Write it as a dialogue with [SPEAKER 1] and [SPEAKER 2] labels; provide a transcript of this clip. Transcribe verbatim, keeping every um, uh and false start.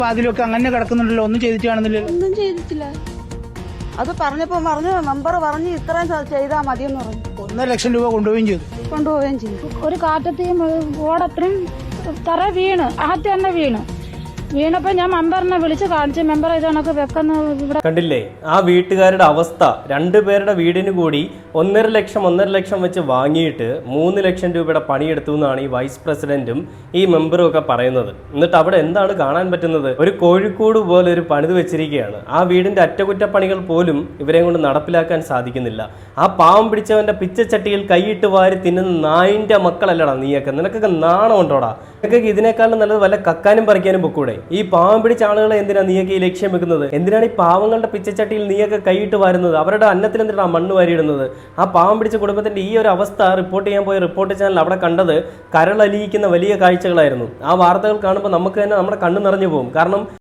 [SPEAKER 1] അതിലൊക്കെ അങ്ങനെ കിടക്കുന്നുണ്ടല്ലോ, ഒന്നും ചെയ്തിട്ട് കാണുന്നില്ലല്ലോ.
[SPEAKER 2] ഒന്നും ചെയ്തിട്ടില്ല. അത് പറഞ്ഞപ്പോ പറഞ്ഞു മെമ്പർ പറഞ്ഞു ഇത്രയും ചെയ്താൽ മതിയെന്ന് പറഞ്ഞു.
[SPEAKER 1] ഒന്നര ലക്ഷം രൂപ കൊണ്ടുപോവുകയും ചെയ്തു
[SPEAKER 2] കൊണ്ടുപോവുകയും ചെയ്തു.
[SPEAKER 3] ഒരു കാറ്റത്തെയും ഓടത്രയും തറ വീണ് അകത്ത് തന്നെ വീണ് വീണപ്പോ ഞാൻ മെമ്പറിനെ വിളിച്ച് കാണിച്ചു. മെമ്പർ ഇതണക്ക് വെക്കുന്ന ഇവിടെ
[SPEAKER 4] കണ്ടില്ലേ ആ വീട്ടുകാരുടെ അവസ്ഥ. രണ്ടുപേരുടെ വീടിന് കൂടി ഒന്നര ലക്ഷം ഒന്നര ലക്ഷം വെച്ച് വാങ്ങിയിട്ട് മൂന്ന് ലക്ഷം രൂപയുടെ പണിയെടുത്തു എന്നാണ് ഈ വൈസ് പ്രസിഡന്റും ഈ മെമ്പറും ഒക്കെ പറയുന്നത്. എന്നിട്ട് അവിടെ എന്താണ് കാണാൻ പറ്റുന്നത്? ഒരു കോഴിക്കോട് പോലെ ഒരു പണിത് വെച്ചിരിക്കുകയാണ്. ആ വീടിന്റെ അറ്റകുറ്റപ്പണികൾ പോലും ഇവരെ കൊണ്ട് നടപ്പിലാക്കാൻ സാധിക്കുന്നില്ല. ആ പാവം പിടിച്ചവന്റെ പിച്ചച്ചട്ടിയിൽ കൈയിട്ട് വാരി തിന്നുന്ന നായിന്റെ മക്കളല്ലടാ നീയൊക്കെ. നിനക്കൊക്കെ നാണം ഉണ്ടോടാ? നിനക്കൊക്കെ ഇതിനേക്കാളും നല്ലത് വല്ല കക്കാനും പറിക്കാനും പൊക്കൂടെ? ഈ പാവം പിടിച്ച ആളുകളെ എന്തിനാ നീയൊക്കെ ഈ ലക്ഷ്യം വെക്കുന്നത്? എന്തിനാണ് ഈ പാവങ്ങളുടെ പിച്ചച്ചട്ടിയിൽ നീയൊക്കെ കൈയിട്ട് വാരുന്നത്? അവരുടെ അന്നത്തിൽ എന്തിനാണ് മണ്ണ് വാരിയിടുന്നത്? ആ പാവം പിടിച്ച കുടുംബത്തിന്റെ ഈ ഒരു അവസ്ഥ റിപ്പോർട്ട് ചെയ്യാൻ പോയ റിപ്പോർട്ട് ചാനൽ അവിടെ കണ്ടത് കരളലിയിക്കുന്ന വലിയ കാഴ്ചകളായിരുന്നു. ആ വാർത്തകൾ കാണുമ്പോൾ നമുക്ക് തന്നെ നമ്മുടെ കണ്ണ് നിറഞ്ഞു പോകും. കാരണം